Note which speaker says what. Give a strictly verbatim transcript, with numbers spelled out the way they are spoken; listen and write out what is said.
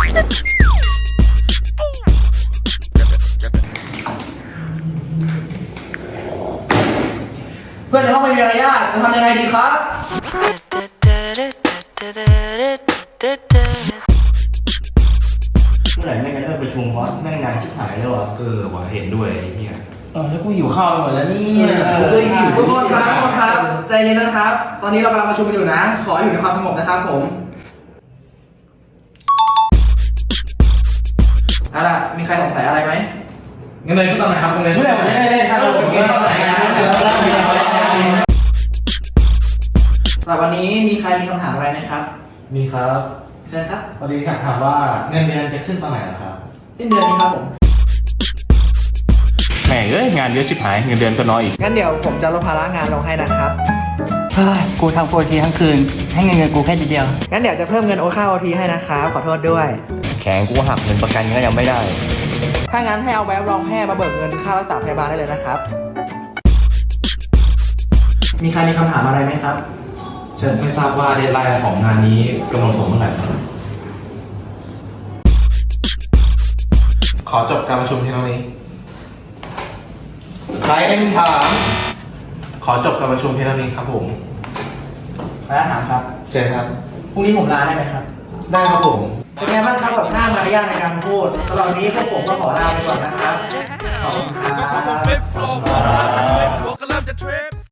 Speaker 1: เพื่อนในห้องไม่มีมารยาทจะทำยังไงดีครับเมื่อไหร่แม่งจะเลิกประชุมวะแม่งนานชิบหายแล้วอ่ะ
Speaker 2: เออว่ะเห็นด้วยไอ้เนี่ย
Speaker 1: เออแล้วกูหิวข้าวไปหมดแล้วเนี่ยกูก็หิวทุกคนครับทุกคนครับใจเย็นนะครับ ตอนนี้เรากำลังประชุมกันอยู่นะ ขออยู่ในความสงบนะครับผมเอาล่ะมีใครสงสัยอะไรไหม
Speaker 2: เงินเดือนขึ้นตอนไหนครับเงินเดือน
Speaker 1: เมื่อไหร่ผมจะได้เล่นครับผมเงินตอนไหนนะเดี๋ยวเราไปเอาสำหรับวันนี้มีใครมีคำถามอะไรไหมครับ
Speaker 2: มีครับ
Speaker 1: เชิญครับ
Speaker 2: พอดีอยากถามว่าเงินเดือนจะขึ้นตอนไหนล่ะครับ
Speaker 1: สิ้นเดือนนี้ครับผม
Speaker 3: แหม่เอ้ยงานเยอะชิบหายเงินเดือนก็น้อยอีก
Speaker 1: งั้นเดี๋ยวผมจะลดภาระงานลงให้นะครับ
Speaker 4: เฮ้ยกูทำโปรทีทั้งคืน ให้เงินเงินกูแค่ทีเดียว
Speaker 1: งั้นเดี๋ยวจะเพิ่มเงินโอค่าโอทีให้นะครับขอโทษด้วย
Speaker 3: แข็งกูหักเงินประกันก็ยังไม่ได้
Speaker 1: ถ้างั้นให้เอาใบรับรองแพทย์มาเบิกเงินค่ารักษาพยาบาลได้เลยนะครับ มีใครมีคำถามอะไรไหมครับ เชิญ
Speaker 2: ไม่ทราบว่าเดดไลน์ของงานนี้กำหนดส่งเมื่อไหร่ครับขอจบการประชุมที่ตรงนี้ใครเอ็มถามขอจบการประชุมที่ตรงนี้ครับผม
Speaker 1: แล้วถามครับ
Speaker 2: เชิญครับ
Speaker 1: พรุ่งนี้ผมลาได้ไหมครับ
Speaker 2: ได้ครับผม
Speaker 1: เป็นไงบ้างครับกับหน้ามารยาทในการพูดสำหรับวันนี้พวกผมก็ขอลาไปก่อนนะครับ ขอบคุณครับ